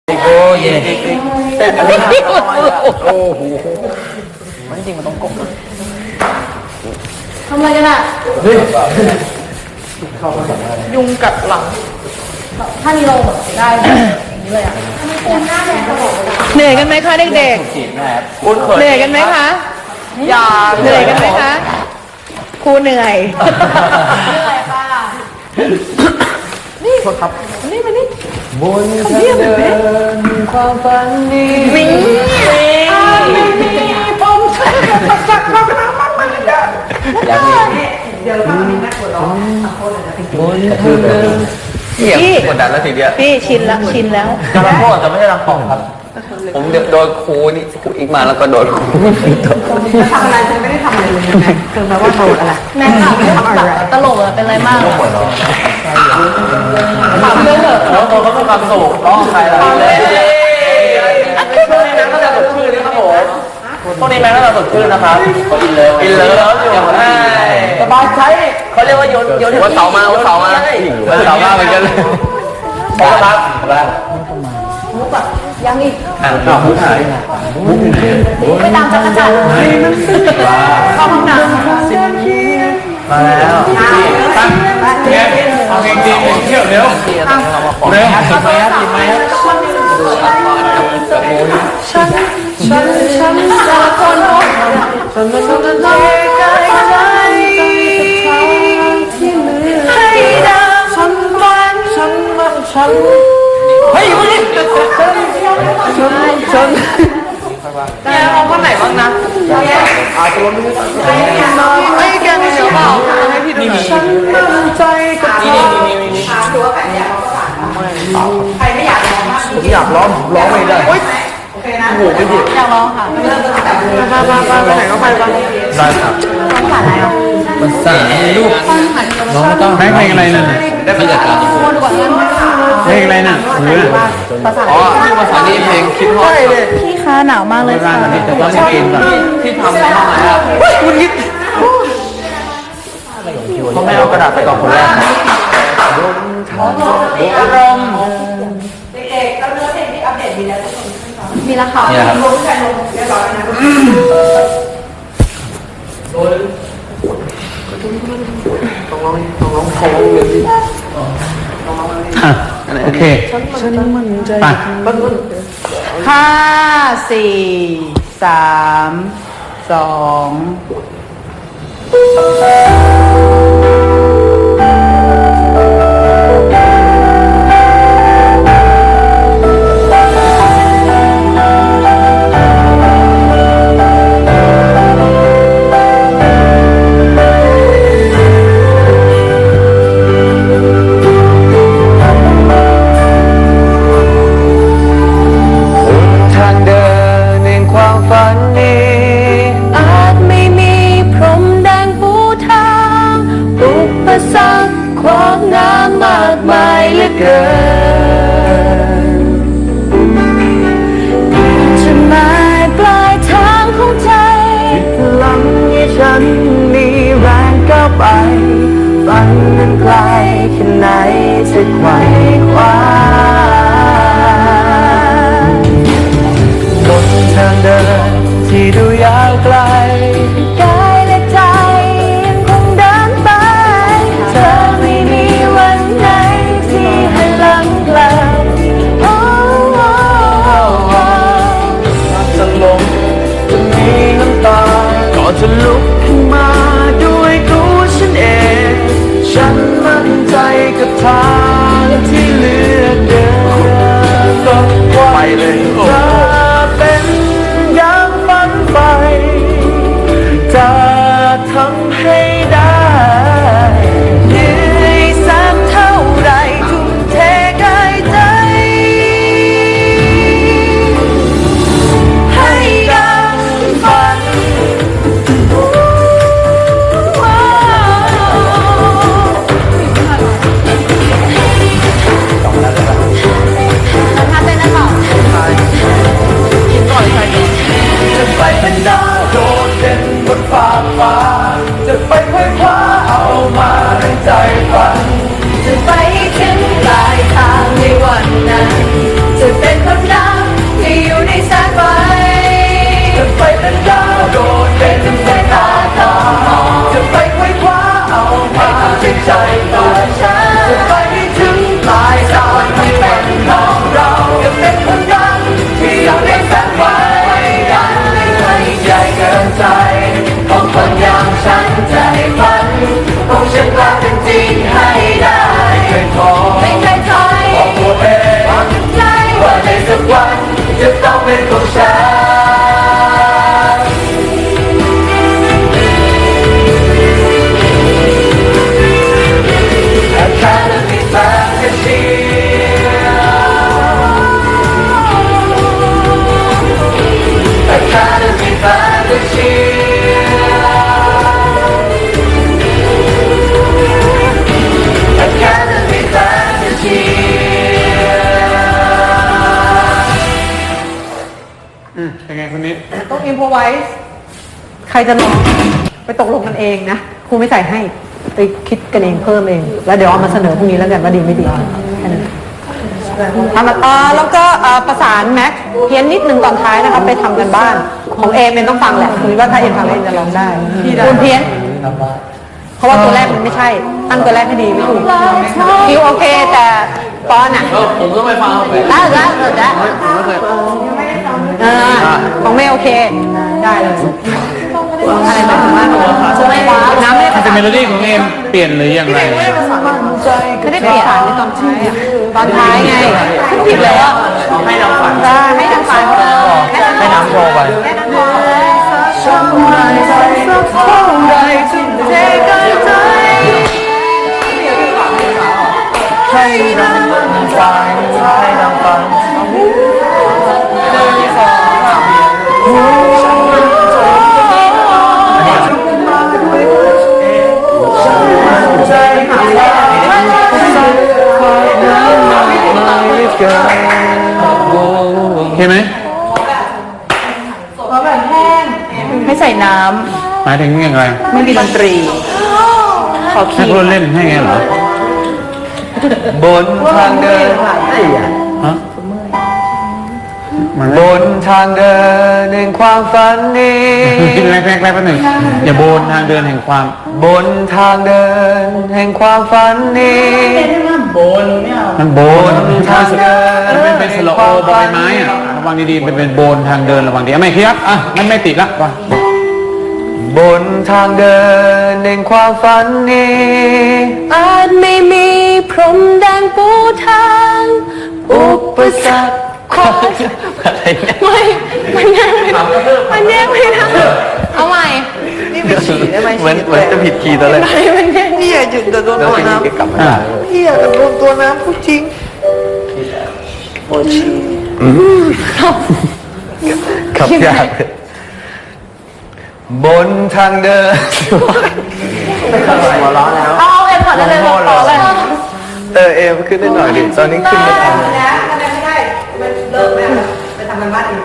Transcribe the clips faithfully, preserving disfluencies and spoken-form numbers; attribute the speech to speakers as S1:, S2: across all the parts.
S1: โอ้ยแต่อะไรโอ้โหมันจริงมันต้องกบ
S2: ทำอะไรกันอ่ะยุงกัดหลังถ้ามีลมได้อย่างนี้เลยอ่ะเหนื่อยกันไหมคะเด็กๆเหนื่อยกันไหมคะอย่าเหนื่อยกันไหมคะครูเหนื่อยเหนื่อยค่ะนี่ครับนี่มานี่บนทางเดินความฝันนี้วิ่งผมจะจักรน้ำมันมันจะอย่างนี้เดี๋ยวต้องมีนักกดร้องคนจะเป็นบนทางเดินพี่กดดันแล้วทีเดียวพี่ชินแล้วชินแล้ว
S1: จะรับโทษแต่ไม่ใช่รับของครับผมโดนครูนี่ครูอีกมาแล้วก็โดนครู
S2: ทำอะไรฉันไม่ได้ทำอะไรเลยนะเธอแปลว่าโดนอะไรแม่ถามแบบตลกอะเป็นไรมากถามเรื่องเถอะ
S1: แล้วตัวเขาเป็นความสุขร้องใครล่ะเลยพวกนี้แม่ก็จะสดชื่นนะครับผมพวกนี้แม่ก็จะสดชื่นนะครับอินเลยอินเลยแล้วอยู่สบายใจเขาเรียกว่าโยนโยนวันเสาร์มาวันเสาร์มาวันเสาร์มาเหมือนกันเลยขอบคุณครับ
S2: มุกแบบยังอีก
S1: อ่านข่าวมุกหาย
S2: ไปตามจักรจันทร์เข้าห้องน้ำ
S1: มาแล้วตั้งเนี่ยเอาเองดีเที่ยวเร็วเร็วติดไหมติดไหม
S2: ฉันฉันฉันจะคนพบฉันมันต้องใจใจใจที่มือให้ดาวฉันมันฉันมันฉันเฮ้ยมึงนี่ฉันฉันแกเอาข้อไหนบ้างนะ
S1: อาตัวไม่ได้
S2: ไอ้แกมีเสียงเปล่าให้พี่ดูฉันมั่นใจกับเธอถามดูว่าแบบอยากใครไม่อยากร้องมาก
S1: ผมอยากร้องร้องไม่ได้
S2: โอเคนะโอ้โหไม่ดีอยากร้องค่ะเริ่มตั้งแต่มามามาไปไหนก็ไปบ้าง
S1: ได้ครับ
S2: ภาษาอะไรอ่ะ
S1: ภาษาลูกน้องต้องเพลงอะไรนั่นได้ประจัดการเพลงอะไรน่ะ
S2: ภาษา
S1: อ๋อภาษานี้เพลงคิดฮอด
S2: พี่คะหนาวมากเลยค่ะ
S1: แต่ว่าเพลงแบบที่ทำในห้องนะครับ
S2: คุณคิด
S1: เขาไม่เอากระดาษไปก่อนคนแรกอารมณ์
S2: เด็กๆเราเนื้อเพลงที่อัปเดตมีแล้วมีแล้วค่ะ
S1: รวมกัน
S2: เรียบร้อยนะ
S1: ต้องร้องต้องร้องเพลงเลยสิโอเคฉันมั่นใจ
S2: ห้าสี่สามสอง
S3: จะมาปลายทางของใจพลังให้ฉันมีแรงก้าวไปฝันนั้นไกลแค่ไหนจะไขว่คว้าบนทางเดินที่ดูยาวไกลกายและใจยังคงเดินไปเธอไม่มีวันไหนที่ให้ลังกลับ
S1: จะลง
S3: จะมีน้ำตาก็จะลุกขึ้นมาด้วยตัวฉันเองฉันมั่นใจกับทางที่เลือกเดินก็ไปเลยจะเป็นอย่างฝันไปจะทำให้ได้เหนื่อยสักเท่าไรทุ่มเทกายใจให้ดังฝันใอืมเป็นไงคนนี้
S2: ต้องอินโพไวส์ใครจะร้องไปตกลงกันเองนะครูไม่ใส่ให้ไปคิดกันเองเพิ่มเอง แล้วเดี๋ยวเอามาเสนอพรุ่งนี้แล้วกันว่าดีไม่ดีแค่นั้นทำมาต่อแล้วก็เอ่อประสานแม็กเพี้ยนนิดนึงตอนท้ายนะครับไปทำกันบ้านของเอมเอ็มต้องฟังแหละคือว่าถ้าเอ็มฟังเอ็มจะร้องได้คุณเพี้ยนเพราะว่าตัวแรกมันไม่ใช่ตั้งตัวแรกให้ดีไม่ถูกคิวโอเคแต่ปอนอ่ะ
S1: ผมต้องไปฟังเขาไป
S2: ได้ได้ได้
S1: ผมไม่เคย
S2: เออของไม่โอเคได้เลยอะไรหมายถึงว่าน้ำไม่ได้
S3: จะเมโลดี้ของเอ็มเปลี่ยนหรืออย่างไร
S2: ไม่ได้เปลี่ยนในตอนท้ายอ่ะตอนท้ายไงผิดเลยว่า
S1: ให้น้องฝัน
S2: ได้ให้นางฟัง
S1: ให้น้ำโทรไป
S2: ให้นางฟัง
S3: ฉันไม่ใจสักเท่าไรที่เทกันใจให้เราฟังให้เราฟัง ใจหาว่าสักคอยนั้นไม่เกินเห็นไหม
S2: ให้ใส่น้
S3: หมายถึงยังไง
S2: ำไม่มีดนตรีขอ
S3: ให้
S2: คีย์
S3: คนเล่นให้ไงเหรอ
S1: บนทางเดิน
S3: ฮะมัน
S1: บนทางเดินแห่งความฝันนี้
S3: แรกแรกแรกแป๊บหนึ่งอย่าโบนทางเดินแห่งความ
S1: บนทางเดินแห่งความฝันนี้
S3: มันโบน
S1: ทางเดิน
S3: มันเป็นเป็นสโลโอบอยไม้อะระวังดีๆเป็นเป็นโบนทางเดินระวังดีอ่ะไม่เคลียร์อ่ะมันไม่ติดละว่ะ
S1: บนทางเดินแห่งความฝันนี้
S2: อาจไม่มีพรมแดงปูทางอุปสรรคขอ
S1: อะไรเนี่ย
S2: ไม่มันแยกไม่ได้มันแยกไม่ได้เอาใหม่นี่ไปฉี่ได้ไหม
S1: เหมือนเหมือนจะผิดคีย์ตอนแรก
S2: ไม่มันแยกพี่อย่าหยุดแต่โดน
S1: แล้ว
S2: ตัว
S1: ทีนี้
S2: น้ำ
S1: ก็กลับมา
S3: อ่ะ
S2: พี่อย่าโดนตัวน้ำพูดจริงโอ้ชี
S1: ขับยากบนทางเดินหัวร้อนแล้ว
S2: เอาเอ็มก่อนได้เลยต่อเลย
S1: เออเอ็มขึ้นได้หน่อยดิตอนนี้ขึ้นไม่ทัน
S2: นะไม่ได้มันเลิกแล้วไปทำกันบ้านเอง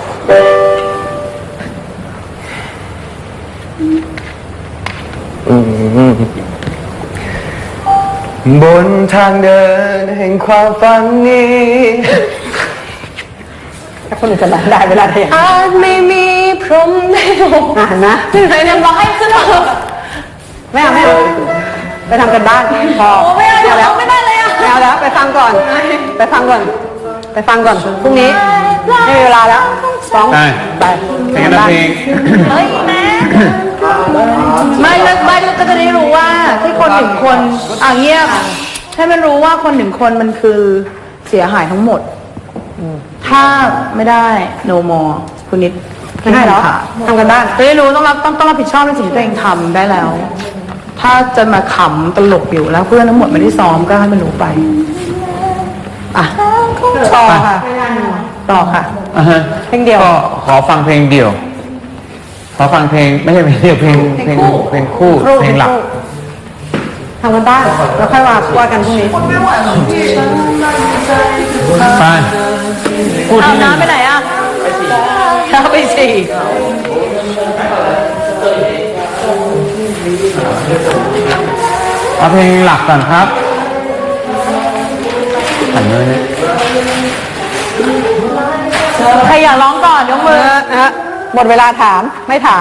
S1: บนทางเดินแห่งความฝันนี้
S2: ถ้าคนอื่นจะร้องได้เวลาเทียนอาจไม่มีพรมในโลกอ่านนะไหนเนี่ยบอกให้ขึ้นมาไม่เอาไม่เอาไปทำกันบ้านพอไม่เอาแล้วไม่ได้เลยอ่ะไม่เอาแล้วไปฟังก่อน ไปฟังก่อน ไปฟังก่อนพรุ่งนี้ไม่มีเวลาแล้วฟ้อง
S3: ได้
S2: ไป
S3: เพลงนั้นเพลง
S2: เฮ้ยแม่ไม่แล้วไม่ก็จะได้รู้ว่าที่คนหนึ่งคนอ่ะเงียบให้มันรู้ว่าคนหนึ่งคนมันคือเสียหายทั้งหมด ถ้าไม่ได้ no more คุณนิดไม่ได้หรอทำกันบ้านจะได้รู้ต้องรับต้องต้องรับผิดชอบในสิ่งที่ตัวเองทำได้แล้ว ถ้าจะมาขำตลกอยู่แล้วเพื่อนทั้งหมดไม่ได้ซ้อมก็ให้มันรู้ไปอ่ะต่อค่ะต่อค่ะ
S3: อ่ะฮะ
S2: เพลงเดียว
S3: ก็ขอฟังเพลงเดียว ขอฟังเพลงไม่ใช่เพลงเดียวเพลงเพลงเพลงคู่เพลงหลัก
S2: ทำกันบ้านแล้วค่อยว่าว่ากันพรุ่งนี้
S3: ไปพูด
S2: เอา
S3: ที่หนึ่ง
S2: น้ำไปไหนอ่ะเอาไปสี่
S3: เอาเพลงหลักก่อนครับหันเลยเนี่ย
S2: ใครอยากร้องก่อนยกมือนะฮะหมดเวลาถามไม่ถาม